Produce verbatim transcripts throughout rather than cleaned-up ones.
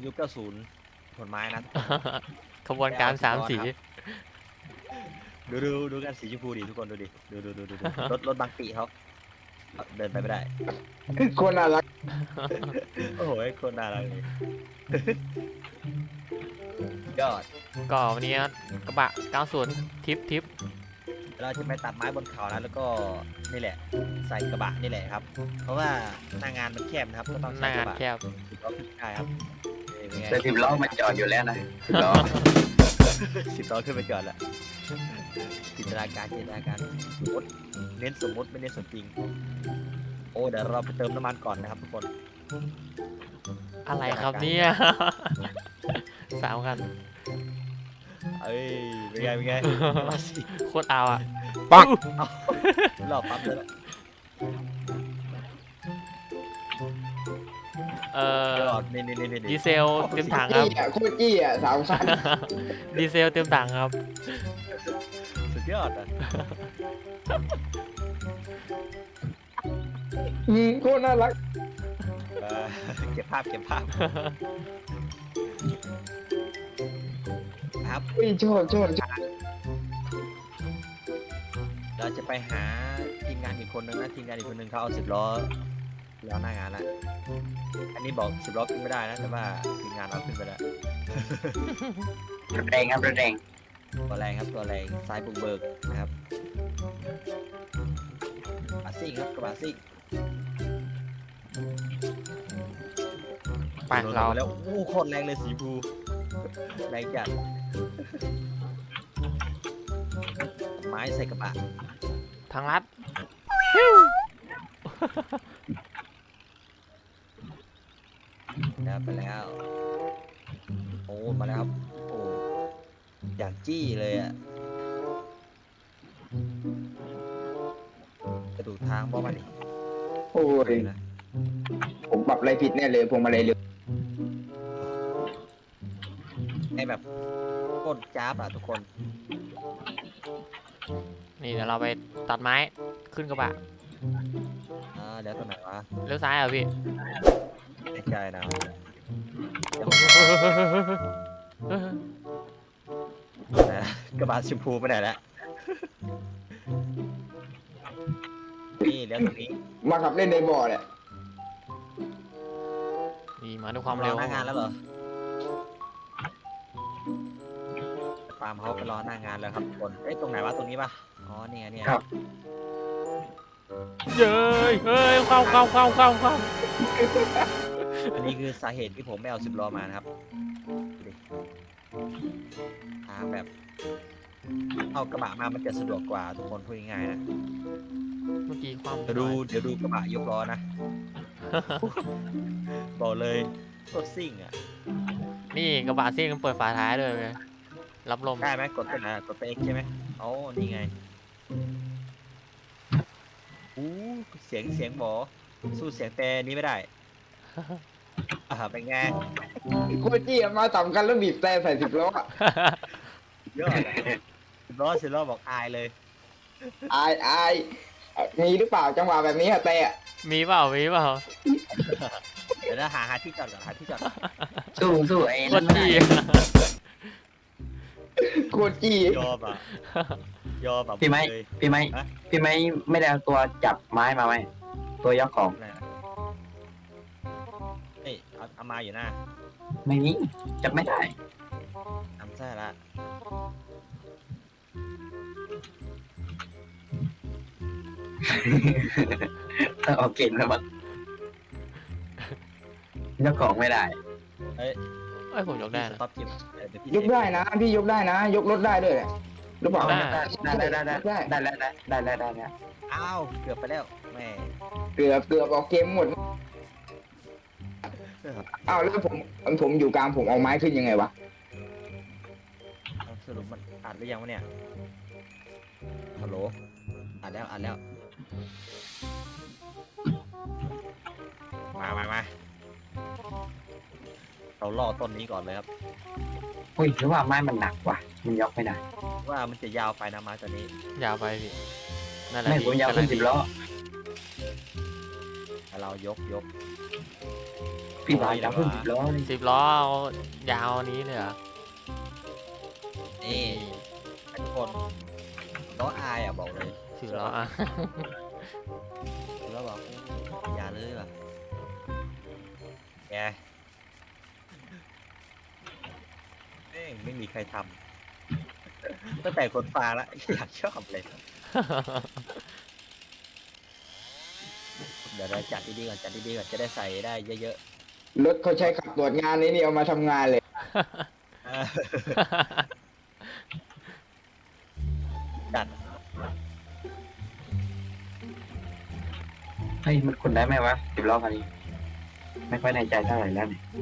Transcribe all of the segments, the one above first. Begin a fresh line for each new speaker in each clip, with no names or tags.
ยุคเก้าสิบผลไม้นะ
ขบวนการสามสี
ดูดูดูกันสีชมพูดิทุกคนดูดิดูดูดูดูดูรถรถบางปีเขาเดินไปไม่ได้
คนน่ารัก
โอ้โหคนน่ารักเลยยอด
ก็วันนี้กระบะเก้าสิบทิปทิป
เราจะไปตัดไม้บนเขานะแล้วก็นี่แหละใส่กระบะนี่แหละครับ เพราะว่าหน้างานมันแคบนะครับก็ต้อง
ห
ใช้
น้าก งา
ระ
น
บะ
แคบ
สิบล้อขึ้นได้ครับเป็นไง
แต่สิบล้อมันจอดอยู่แล้วนะสิบล้อ
สิบล้อขึ้นไปจอดละจินตนาการจินตนาการสมมติเน้นสมมติไม่เน้นสมจริงโอ้เดี๋ยวเราไปเติมน้ำมันก่อนนะครับทุกคน
อะไรครับเนี่ยสามคัน
เอ้ยเป็นไงเป็นไงมาสิ
โคตรเอาอ่ะ
เอารอบปั๊มเลยละ
เอ่อย
อดนี่นี่นี่นี่
ดีเซลเต็มถังครับ
จี้อ่ะโคตรจี้อ่ะสามคัน
ดีเซลเต็มถังครับ
สุดยอดอ่ะ
อืมโคตรน่ารัก
เออเก็บภาพเก็บภาพครับ
อุ้ยชอบชอบชอบ
เราจะไปหาทีมงานอีกคนนึงนะทีมงานอีกคนนึงเขาเอาสิบล้อแล้วหน้างานละอันนี้บอกสิบล้อขึ้นไม่ได้นะแต่ว่าทีมงานเอาขึ้นไปแล้ว
รถแรงครับรถแรง
ตัวแรงครับตัวแรงซ้ายบุกเบิกนะครับบาซิ่งครับกระบะซิ่ง
ไปเรา
แล้วโอ้โคตรแรงเลยสีฟูแรงจัดไม้ใส่กระบะ
ทางลัด
แล้วไปแล้วโอ้มาแล้วครับโอ้อย่างจี้เลยอ่ะกระดูกทางบ่มาดิ
โอ้ย
นะ
ผมปรับอะไรผิดแน่เลยพวงมาลัยเร็ว
ไอแบบโคตรจ้าบอ่ะทุกคน
นี่เดี๋ยวเราไปตัดไม้ขึ้นกระบะ
อ่าเดี๋ยวตัวไหนวะ
เลี้ยวซ้ายเหรอพี่
ไม่ใช่นะเดี๋ยวนะกระบะชมพูไปไหนแล้วนี่เดี๋ยวตรงนี้
มาขับเล่นในบ่อเนี่ย
นี่มาด้วยความ
ร
เร็
อ
ว
หน้างานแล้วเหรอปาล์มเขาไปรอหน้างานแล้วครับทุกคนเอ้ยตรงไหนวะตรงนี้ปะอ๋อเนี่ยเนี่ย
ครับ
เย้ยเฮ้ยเข้าเข้าเข้าเข้าเข้า
อันนี้คือสาเหตุที่ผมไม่เอาสิบล้อมานะครับดูดิทางแบบเอากระบะมามันจะสะดวกกว่าทุกคนพูดง่ายๆนะ
เมื่อกี้ความ
เดี๋ยวดูเดี๋ยวดูกระบะยกล้อนะ บอกเลยรถซิ่งอ่ะ
นี่กระบะซิ่งมันเปิดฝาท้ายด้วยเว้ยรับลม
ได้ไหมกดตัวไหนกดตัวเอ็กใช่ไหมอ๋อนี่ไงอู้เสียงเสียงบอสู้เสียงแต่นี้ไม่ได้ อ่าเป็นไง
โคตรจี้อ่ะมาสามคันแล้วบีบแต่ใส่สิบล้ออ่ะ
ยอดอะสิบล้อสิบล้อบอกอายเลย
อายอายเอ่อมีหรือเปล่าจังหวะแบบนี้อะแต่อะ
มีเปล่ามีเปล่า
เดี๋ยวนะหาหาที่จอดก่อนหาที่จอดก่อน
สู้สู้ไอ้
โค
นั่
ต
น
ร
ไม่
จี้
ได้
โคตรจี้
ยอมอ่ะยอมแบบ
พี่ไม้
เลย
พี่ไม้
ฮะ
พี่ไม้ไม่ได้เอาตัวจับไม้มาไหมตัวยกของ
อะไรนะเอ้ยเอาเอามาอยู่หน้า
ไม่มีจับไม่ได้
ทำใช่ละ
ต้องเอาเก่งแล้วมั้งยกของไม่ได้
เอ้ย
เอ้ยผมยกได้
ส
นะ
ต็อปจิมเดี๋ยวพี่
ยกได้นะ พี่ยกได้นะ ยกรถได้ด้วยแหละหรือเปล่า
ได้
ได้ได้ได้ได้ได้ได้ได้ได้ได้ได้
อ้าวเกือบไปแล้วแม่
เกือบเกือบออกเกมหมดอ้าวแล้วผมผมอยู่กลางผมเอาไม้ขึ้นยังไงวะ
เอาสรุปมันอัดหรือยังวะเนี่ยฮัลโหลอัดแล้วอัดแล้วมามามาเราล่อต้นนี้ก่อนเลยครับ
อุ้ยหรือว่าไม้มันหนักว่ะมันยกไม่ได้
ว่ามันจะยาวไปนะไม้ตัวนี้
ยาวไปพี่นั่นแหละ
ไม่ผมยาวขึ้นสิบล้อ
แต่เรายกยก
พี่บาสจะขึ้นสิบล้อเลย
สิบล้อเอายาวนี้เลยเหรอ
นี่ทุกคนล้ออายอ่ะบอกเลย
สิบล้ออ่ะ
แล้วบอกอย่าเลยว่ะแกเอ้ยไม่มีใครทำตั้งแต่คนฟังแล้วอยากชอบเลย เดี๋ยวเราจัดดีๆก่อนจัดดีๆก่อนจะได้ใส่ได้เยอะ
รถเขาใช้ขับตรวจงานนี้นี่เอามาทำงานเลย
ๆเออจัด
เฮ้ยมันคนได้ไหมวะสิบล้อคันนี้ไม่ค่อยในใจเท่าไหร่แล้วเนี่ย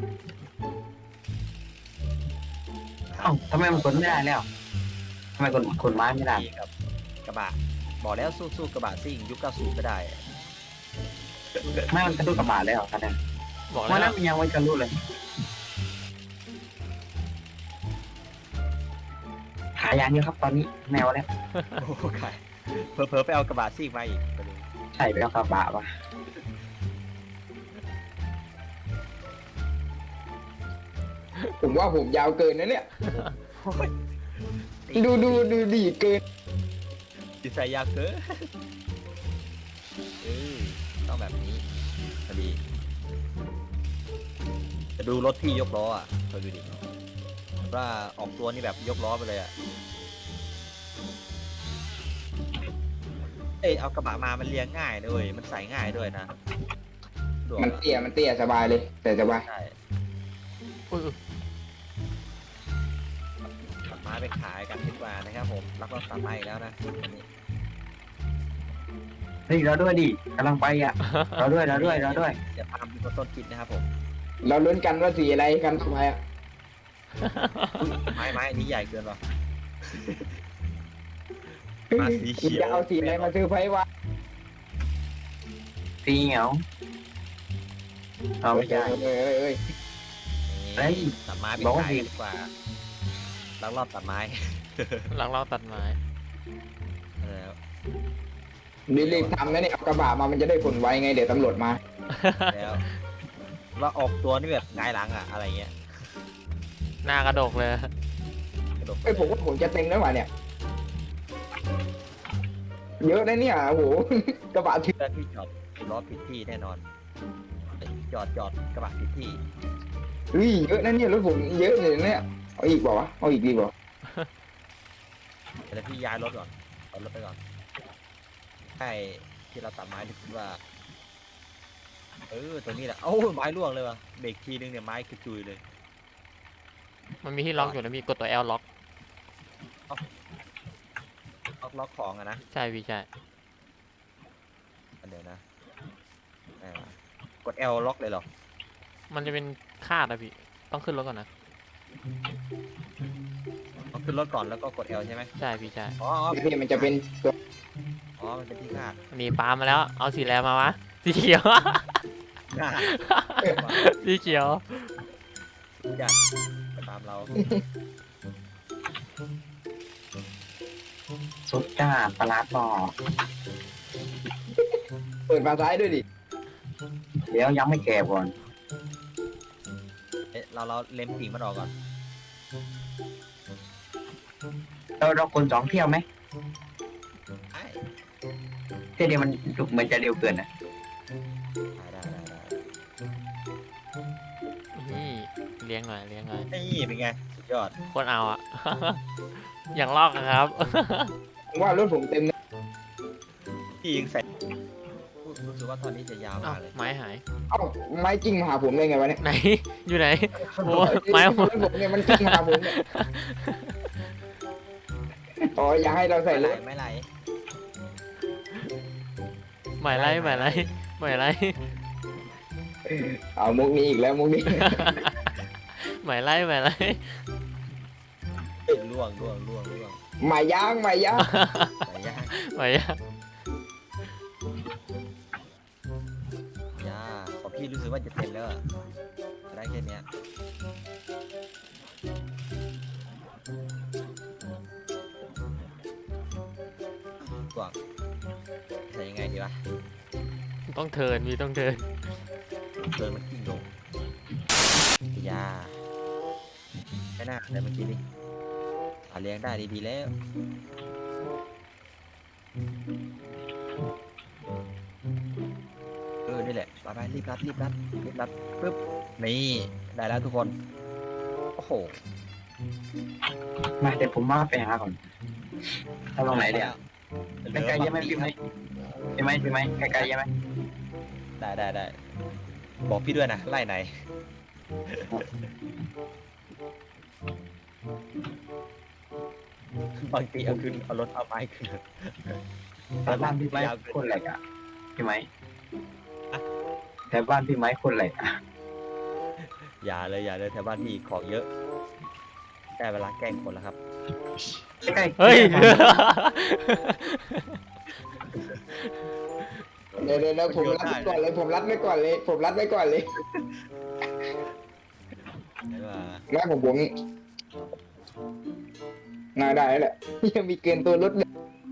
เอ้าทำไมมันคนไม่ได้แล้วทำไมคนคนไม้ไม่ได้
ดีกับกระบะบอกแล้วสู้ๆกระบะซิ่งยุคเก้าสิบก็ได้
ไม่มันกระตุ้นกระบาดแล้วคันนั้น
บอก
วัน
แล้
นั้
วน
มันยังไว้กระตุ้นเลยขายยางเยอะครับตอนนี้แนวแล้ว
โอ้ใครเผลอๆไปเอากระบะซิ่งมาอีกไปดู
ใช่ไปแล้วกระบะวะ
ผมว่าผมยาวเกินนะเนี่ย
โอ้ย
ดูดูดูดีเกิน
ดีไซน์ยากเกินเออต้องแบบนี้พอดีจะดูรถพี่ยกล้ออ่ะคอยดูดิว่าออกตัวนี่แบบยกล้อไปเลยอ่ะเอ้ยเอากระบะมามันเลี้ยงง่ายด้วยมันใส่ง่ายด้วยนะสะดวก
มัน
อะ
เตี้ยมันเตี้ยสบายเลยแต่สบาย
ใช่
อุ้ย
ตัดไม้ไปขายกันดีกว่านะครับผมรับรองตัดไม้อีกแล้วนะอันนี้
เฮ้ยเราด้วยดิกำลังไปอ่ะเราด้วยเราด้วยเราด้วย
อย่าตามดูต้นคิดนะครับผม
เราลุ้นกันว่าสีอะไรกันทำไมอ่ะ
ไม้ไม้อันนี้ใหญ่เกินหรอ มาสีเขียว
จะเอาสีอะไรมาซื้อไพ่วะ
ตีเหงาเอาไม่ใช่
เอ้ยเอ้ยเอ้ย
เฮ้ย
ตัดไม้ไป
บอกว่า
ขาย
ดี
กันดีกว่าลักลอบตัดไม้
หลังเราตัดไม้
แล้ว
รีบๆทำนะเนี่ยเอากระบะมามันจะได้ผลไวไงเดี๋ยวตำรวจมา
แล้วว่าออกตัวนี่แบบหงายหลังอะอะไรเงี้ย
หน้ากระดกเลย
กระดก
ไอ้ยผมว่าผมจะเต็งแล้วว่ะเนี่ย เยอะนะเนี่ยโอ้โห กระบะถึง
เพื่อนที่จอดล้อผิดที่แน่นอนจอดจอดกระบะผิดที่
เฮ้ยเยอะนะเนี่ยรถผมเยอะเลยเนี่ยเอาอีกเปล่าวะเอาอีกดีเปล่า
เดี๋ยวพี่ย้ายรถก่อนเอารถไปก่อนใช่ที่เราตัดไม้ที่คิดว่าเออตรงนี้แหละเอ้าไม้ร่วงเลยว่ะเบรกทีนึงเนี่ยไม้กระจุยเลย
มันมีที่ล็อกอยู่นะมีกดตัว L ล็อก
ล็อกล็อกของอะนะ
ใช่พี่ใช่
เดี๋ยวนะไหนวะกด L ล็อกเลยเหรอ
มันจะเป็นคาดอะพี่ต้องขึ้นรถก่อนนะ
ต้องขึ้นรถก่อนแล้วก็กด L ใช่ไหม
ใช่พี่ใช่
อ๋ออ๋อ
พี่มันจะเป็นตัว
อ๋อมันเป็นที่คาด
นี่ปาล์มมาแล้วเอาสีแลมาวะสีเขียว
คาด
สีเขียว
จัดไปตามเรา
สุดจ้าปลาร้าต่อ
เปิดฝาท้ายด้วยดิ
เดี๋ยวยังไม่แก่ก่อน
เอ๊ะเราเราเล็มกิ่งมันออกก่อน
เราเราคนสองเที่ยวไหม
ได้
เที่ยวเดียวมันเหมือนจะเร็วเกินนะ
ได้ได้ได้
นี่เลี้ยงหน่อยเลี้ยงหน่อย
นี่เป็นไงสุดยอด
คนเอาอะ อย่างลอกอะครับ
ผมว่ารถผมเต็มนะ
พี่ยิงใส่รู้สึกว่าตอนนี้จะยาว
เอ้าม
ากเลย
ไม้หาย
เอ้าไม้จิ้งมาหาผมได้ไงวะเนี่ย
ไหน อยู่ไหนโอ้ไม้
ร
หมด
ถผมเนี่ยมันจิ้งมาหาผมเนี่ยอ๋ออย่าให้เราใส่
ไม่ไห
ร
ล
ถ
ไม่ไหล
หมายไรหมายไรหมายไร
เอามุกนี้อีกแล้วมุกนี้
หมายไรหมายไร
เอ้ยล่วงล่วงล่วงล่วง
หมายย่างหมายย่าง
ไหลยาก
หมายยัง
ยาของพี่รู้สึกว่าจะเต็มแล้วอะได้แค่เนี้ยกว่างใส่ยังไงดีวะ
ต้องเทิร์นมีต้องเทิร์น
เดินมันกิ้งลงยาไม่น่าแต่เมื่อกี้นี่หาเลี้ยงได้ดีๆแล้วเออนี่แหละไปไปรีบรัดรีบรัดรีบรัดปึ๊บนี่ได้แล้วทุกคนโอ้โห
มาเดี๋ยวผมมาไปหาก่อนทำตรงไหนเดี๋ยวไกลๆยังไหมพี่ไหมพี่ไหมพี่ไหมไกลๆยังไหม
ได้ได้ได้บอกพี่ด้วยนะไล่ไหนบางทีเอาขึ้นเอารถเอาไม้ขึ้น
แต่บ้านพี่ไหมคนแหลกอ่ะพี่ไหมแต่บ้านพี่ไหมคนแหลกอ่ะ
อย่าเลยอย่าเลยแถวบ้านพี่ของเยอะได้เวลาแกล้งคนแล้วครับ
ใกล้ๆ
เฮ้ย
เดี๋ยวเดี๋ยวผมรัดไว้ก่อนเลยผมรัดไว้ก่อนเลยผมรัดไว้ก่อนเลย
ได้ว่า
แม่ผมผมน่าได้แล้วแหละยังมีเกินตัวรถเลย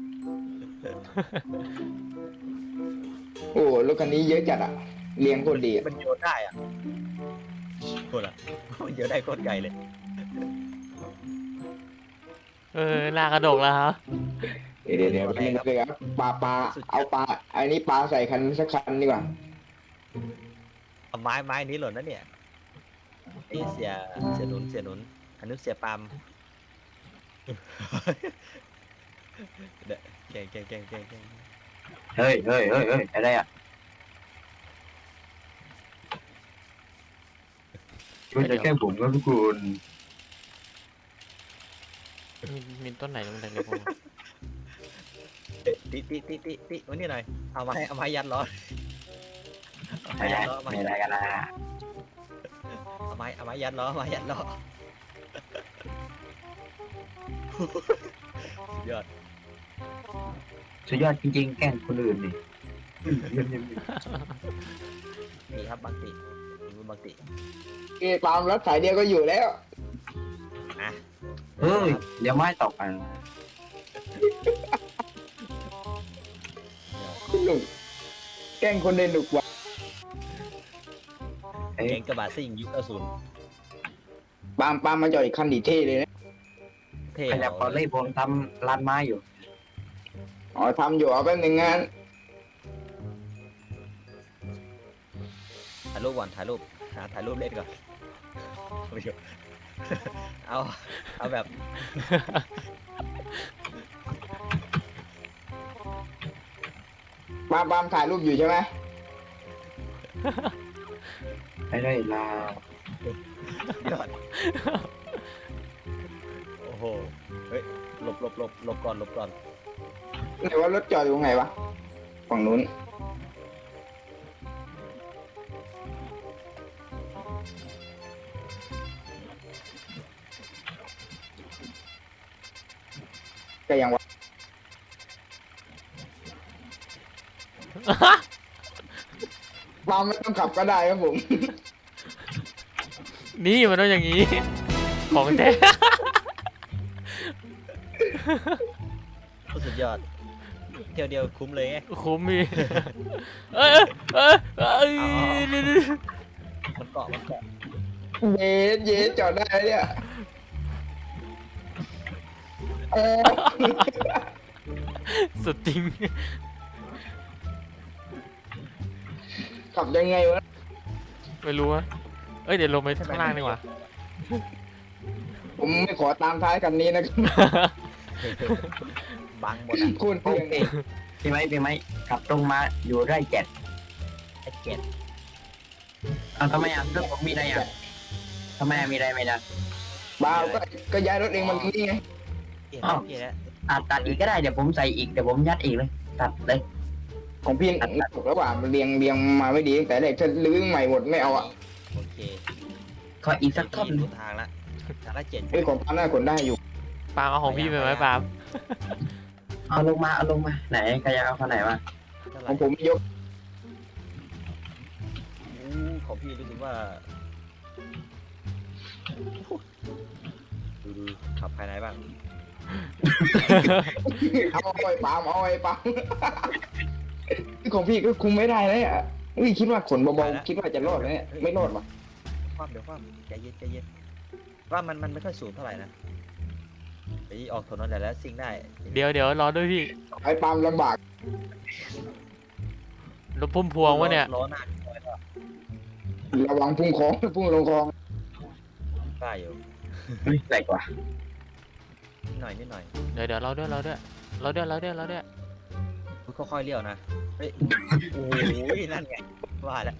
โอ้รถคันนี้เยอะจัดอ่ะเลี้ยงคนดีอะ
มันโยนได้อ่ะคนละมันโยนได้โคตรไกลเลย
เออหน้ากระดกแล้วครับ
เดี๋ยวเดี๋ยวเดี๋ยวนี่เลยครับปลาปลาเอาปลาอันนี้ปลาใส่คันสักคันดีกว่า
เอาไม้ไม้นี้หล่นนะเนี่ยนี่เสียเสียหนุนเสียหนุนอันนี้เสียปามเด็กเก่งเก่งเก่งเก่งเก่ง
เฮ้ยเฮ้ยเฮ้ยเฮ้ยอะไรอ่ะช่วยจะแก้ผมครับทุกคน
มีมีต้นไหนตรงไหนเลยผม
ติติติติติวันนี้หน่อยเอาไม้เอาไม้ยัดล้อเอาไม้
ไม่
ยั
ได้
ดล้อเอาไม้
ไม่ได้กันนะ
เอาไม้เอาไม้ยัดล้อเอาไม้ยัดล้อสุดยอด
สุดยอดจริงๆแกล้งคนอื่นนี่
นี่ครับบางติมือบางติ
เอ้ปลามรัดสายเดียวก็อยู่แล้ว
อ่ะ
เฮ้ยเดี๋ยวไม้ตกกัน
คุณหนุ่มแกล้งคนเดินหนุกว่ะ
เอ้ย
เก่งกระบะซิ่งยุคเก้าศูนย์
ปามปามมาจอดอีกคันดีเท่เลยนะ
เท่
ขยับก่อนเลยผมทำร้านไม้อยู่
อ๋อทำอยู่เอาแป๊บหนึงงาน
ถ่ายรูปก่อนถ่ายรูปหาถ่ายรูปเล่นก่อนไม่ใช่เอาเอาแบบ
ปามปามถ่ายรูปอยู่ใช่ไหม
ไม่ได้ลา
ยอดโอ้โหเฮ้ยหลบหลบหลบหลบก่อนหลบก่อน
ไหนว่ารถจอดอยู่ตรงไหนวะฝั่งนู้นก็ยังวะปามไม่ต้องขับก็ได้ครับผม
นี่มันต้องอย่างนี้ ของแท้
โคตรสุดยอดเที่ยวเดียวคุ้มเลยไง
คุ้มมีเอ้ยเอ้ยเอ้ยนี่นี่
มันเกาะมันเกาะ
เย็นเย็นจอดได้เนี่ยเออ
สุดจริง
ขับยังไงวะ
ไม่รู้อะเอ้ยเดี๋ยวลงไปข้างล่างดีกว่า
ผมไม่ขอตามท้ายคันนี้นะครับ
บังหมดอ่ะ
คุณ
โอ
เพียง
เคพี่ไหมพี่ไหมขับตรงมาอยู่ได้เจ็ด
ไอ้เก็ด
เอาทำไมอ่ะรถผมมีอะไรอ่ะทำไมอ่ะมีอะไรไม่ได้
บ้าก็ก็ย้ายรถเองมันนี่ไง
เก็ด
อ้าว
เก็ดแล้ว
อ่ะตัดอีกก็ได้เดี๋ยวผมใส่อีกเดี๋ยวผมยัดอีกเลยตัดเลย
ของพี่ถูกแล้วว่ามันเรียงเรียงมาไม่ดีตั้งแต่แรกถ้าลื้อใหม่หมดไม่เอาอ่ะ
โอเค
ขออีกสักท่อน
พี่รู้ทางละทางละเจ็ด
ไอ้ยของพันน่าขนได้อยู่
ปาล์มเอาของพี่ไปไหมปาล์ม
เอาลงมาเอาลงมาไหนใครจะเอาคนไหนมา
เท่าไห
ข
ร่
องผมยก
อู้ของพี่รู้สึกว่าดูดูขับภายในบ้าง
เอาไอ้ปาล์มเอาไอ้ปาล์ม ของพี่ก็คุมไม่ได้เลยอ่ะอุ้ยคิดว่าขนเบาๆคิดว่าจะรอดไหมเนี่ยไม่รอดว่ะ
คว่ำเดี๋ยวคว่ำใจเย็นใจเย็นว่ามันมันไม่ค่อยสูงเท่าไหร่นะไอ้ออกถนนแล้วซิ่งได้
เดี๋ยวเดี๋ยวรอด้วยพี่
ไอ้ปาล์มลำบาก
รถพุ่มพวงวะเนี่ย
ล้อหน้า
ระวังพุ่งคลองพุ่งลงคลอง
ได้อยู่
เฮ้ยแหลกว่ะ
นิดหน่อยนิดหน่อย
เดี๋ยวเดี๋ยวรอด้วยรอด้วยรอด้วยรอด้วยรอด้วย
ค่อยๆเลี้ยวนะเฮ้ยโอ้ยนั่นไงว่าแล้ว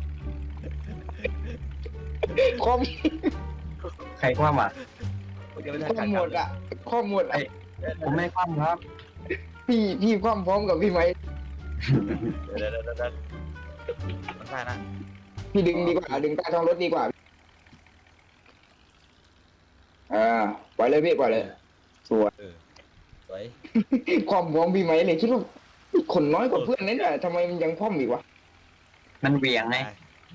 ข้อม
ใครคว่ำอ่ะ
ยังไม่ทัน
ข้อ
การ
หมดอ่ะข้อหมดอ่ะ
ผมไม่คว่ำครับ
พี่พี่คว่ำพร้อมกับพี่ไหม
เดี๋ยวเดี๋ยวเดี๋ยวเดี๋ยวมันได้นะ
พี่ดึงดีกว่าดึงใต้ท้องรถดีกว่าอ่าปล่อยเลยพี่ปล่อยเลยสวย
สวย
ความพร้อมพี่ไหมเนี่ยคิดว่าคนน้อยกว่าเพื่อนนั่นแหละทำไมมันยังคว่ำอีกวะ
มันเบี่ยงไง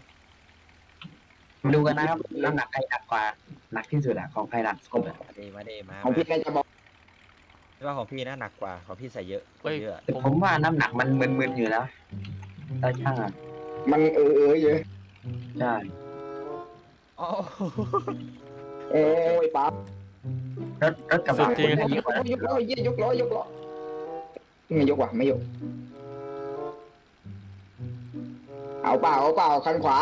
มาดูกันนะครับน้ำหนักใครหนักกว่าหนักที่สุดอะของใครหนักสุดอะ
มาดีมาดีมา
ของพี่น่าจะบอก
ไม่ว่าของพี่นะหนักกว่าของพี่ใส่เยอะ
เฮ้ย
เยอะ
แต่ผมว่าน้ำหนักมันมึนๆอยู่แล้วตาช่างอะ
มันเออเออเยอะ
ใช่
อ๋อ
โอ้ยป๊าบ
รถรถกระบะ
สุดจริง
คน
ย
เย
ก
อะ
ล้อยกล้อเยี่ยยกล้อยกล้อไม่ยกว่ะไม่ยก เอาเปล่าเอาเปล่าคันขวา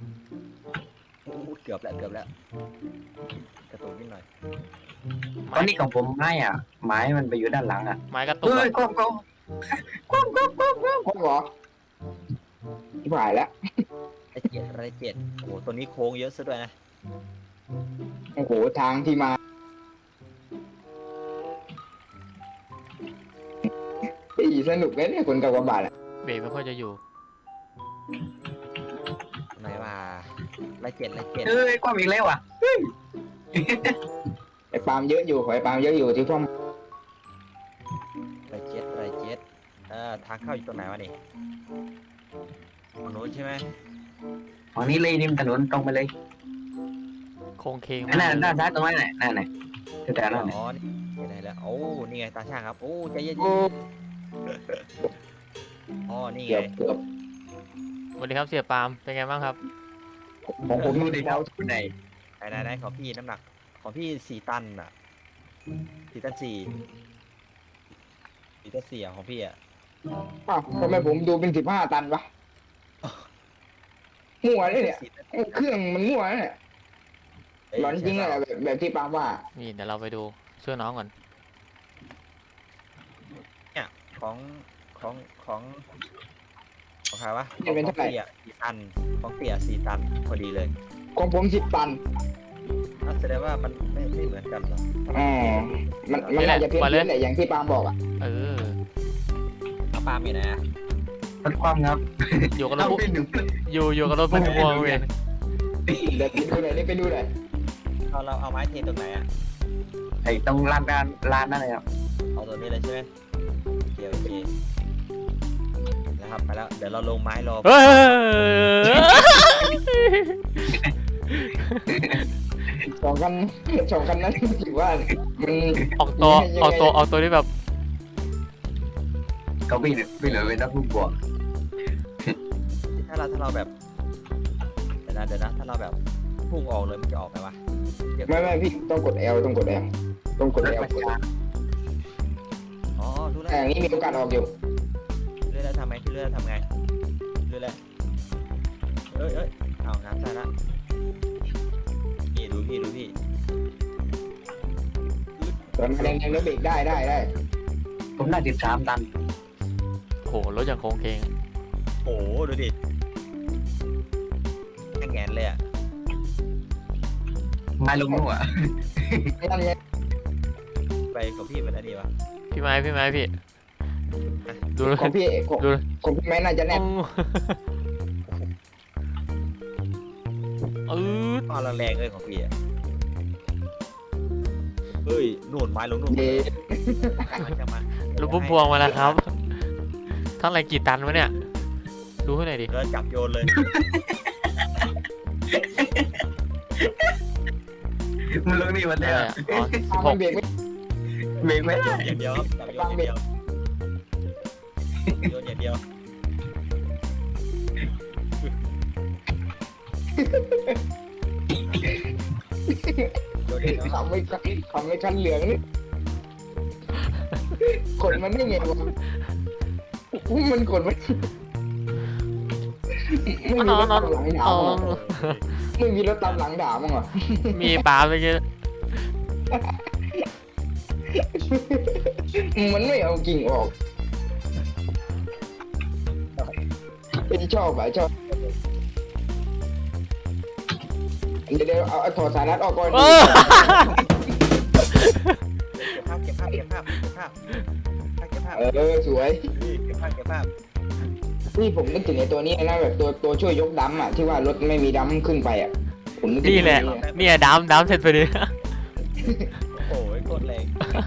เกือบแล้วเกือบแล้วกระตุกนิดหน่อย
ตอนนี้ของผมไม้อ่ะไม้มันไปอยู่ด้านหลังอ่ะ
ไม้กระตุก
เฮ้
อะ
ยก้มก้มก้มก้มก้มก้ม
คว่ำเหรอที่ผ่านแล้ว
ไรเจ็ดไรเจ็ดโอ้โหตัวนี้โค้งเยอะซะด้วยนะ
โอ้โหทางที่มาอีสนุกเลยเนี่ยคนกับกระบะอ่ะ
เบรกไม่ค่อยจะอยู่
ไหนว่าไรเจ็ดไรเจ็ด
เฮ้ยก้มอีกแล้วอ่ะ
ไอ้ปาล์มเยอะอยู่ขอไอ้ปาล์มเยอะอยู่ที่พ่อม
ไรเจ็ดไรเจ็ดเอ่อทางเข้าอยู่ตรงไหนวะนี่ตรงนู้นใช่ไหม
ฝั่งนี้เลยริมถนนตรงไปเลย
โค้งเคง
อันนั้นด้านซ้ายตรงนั้นแหละนั่นแหละแต่นั่นแหละ
อ๋อนี่ไหนแล้วโอ้นี่ไงตาช่างครับโอ้ใจเย็น
โอ้
ๆอ๋อนี่ไง
เกือบเกือบ
สวัสดีครับเสียปาล์มเป็นไงบ้างครับ
ของผม
ดู
ดู
ดิ
ดิ
ค
ค
รั
รั
บบ คุณไหน
ไหนไหนไหนของพี่น้ำหนักของพี่สี่ตันอ่ะสี่ตันสี่สี่ตันสี่อ่ะของพี่อ่ะ
อ้าวทำไมผมดูเป็นสิบห้าตันวะมั่วเลยเนี่ย
สี่ตัน
ไอ้เครื่องมันมั่วเนี่ย
เอ้ย
หลอนจริงเลยอะแบบแบบที่ปาล์มว่า
นี่เดี๋ยวเราไปดูช่วยน้องก่อน
ของของของของใครวะ
จะเป็นเท่าไหร่
ของสี่อ่ะสี่ตันของเตี่ยสี่ตันพอดีเลย
ของผมสิบตัน
นั่นแสดงว่ามันไม่ไม่เหมือนกันหรอก
อ๋อมันมันน่าจะเพี้ยนเพี้ยนแหละอย่างที่ปาล์มบอกอ่ะ
เออ
เอาปลามีไหนอ่ะ
รถความครับ
อยู่กับรถ
เรา
พุ่ม
เป็นหนึ่ง
อยู่อยู่กับรถพุ่มพวงเว้ย
เดี๋ยวไปดูหน่อยนี่ไปดูหน่อย
เราเราเอาไม้เทตรงไหนอ่ะ
ไอ้ตรงลานด้านลานนั่นเลยครับ
เอาตัวนี้เลยใช่ไหมโอเคโอเคนะครับไปแล้วเดี๋ยวเราลงไม้รอ
เฮ้ย
สองคันสองคันนั้นถือว่ามัน
ออกตัวออกตัวออกตัวที่แบบ
เขาพี่พี่เหลือเป็นนักฟุตบอล
ถ้าเราถ้าเราแบบเดี๋ยวนะเดี๋ยวนะถ้าเราแบบพุ่งออกเลยมันจะออกไหมวะเดี๋ยว
ไม่ไม่พี่ต้องกด L ต้องกด L ต้องกด L กด L
อ๋อรู้แล้ว
แต่อย่างนี้มีโอกาสออกอยู่
เรื่อยแล้วทำไงพี่เรื่อยแล้วทำไงเรื่อยแล้วเอ้ยเอ้ยเอาน้ำใส่ละนี่ดูพี่ดูพี่
ตอนมาแดงๆแล้วเบรกได้ได้ได้
ผมได้สิบสามตัน
โหรถอย่างโค้งเคง
โอ้โหดูดิแง่งแงนเลยอ่ะ
ไม้ลงนู่นอ่ะ
นั่นไง
ไปกับพี่เป็นอะไรดีวะ
พี่ไม้พี่ไม้พี่ดู
ของพี่ของ
ดู
ของพี่แม่น่าจะแน่น
เออ
ตอนแรงๆเลยของพี่อ่ะเฮ้ยนู่นไม้ลงนู่น
เด
มันจะมาร
ถพุ่มพวงมาแล้วครับเท่าไหร่กี่ตันวะเนี่ยดูให้หน่อยดิ
เดินจับโยนเลย
มันลงนี่มัน
เท่า
เนี่ย
ไหร่อะอ๋อสิบห
มัน
ก
เบรกไม่
เบรกไม่ได้
อย่างเดียวครับจับโยนอย่างเดียวโยนอย่างเดียวโดนเห็นเนาะ
ทำไม่ทำไม่คันเหลืองนี่กดมันได้ไงวะมันกดมันไม่มีรถตามหลังด่า
อ๋อ
มั้งเหรอไม่มีรถตามหลังด่ามั้งเหรอ
มีปลาไปเยอะ
มันไม่เอากิ่งออกเป็นชอบอะชอบเดี๋ยวเดี๋ยวเอาเอาถอดสายรัดออกก่อน
เออ
เก็บภาพเก็บภาพเก็บภาพเก็บภาพเก็บภาพ
เออสวย
นี่เก็บภาพเก็บภาพ
นี่ผมนึกถึงไอ้ตัวนี้นะแบบตัวตัวช่วยยกดัมป์อ่ะที่ว่ารถไม่มีดัมป์ขึ้นไปอ่ะผมนึกถึง
นี่แหละ
ตัวนี้
เนี่ยดำดำเสร็จไปดิ
โอ้ยโคตรแรง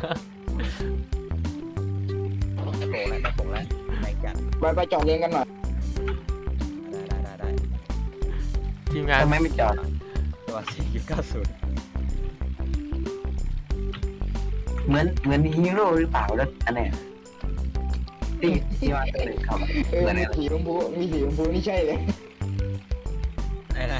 ได้โผล่แล้วได้โผล่แล้วแรงจัด
ไปไปจอดเรียงกันหน่อย
ได้ได้ได้ได้
ทีมงาน
ทำไมไม่จอด
ตัวสี่ยุคเก้าศูนย์
เหมือนเหมือนฮีโร่หรือเปล่ารถอันเนี้ยที่ที่ว่าตัวหนึ่งเขา
เออ
เหมือน
มี
อะไร
สีชมพูมีสีชมพูนี่ใช่เลย
ไอ้นะ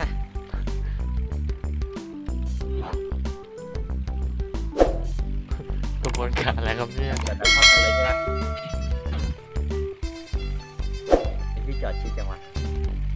กระบวนการอะไรครับเนี่ย
แต่จะเข้ากันเลยใช่ไหมไอ้พี่จอดชิดจังวะ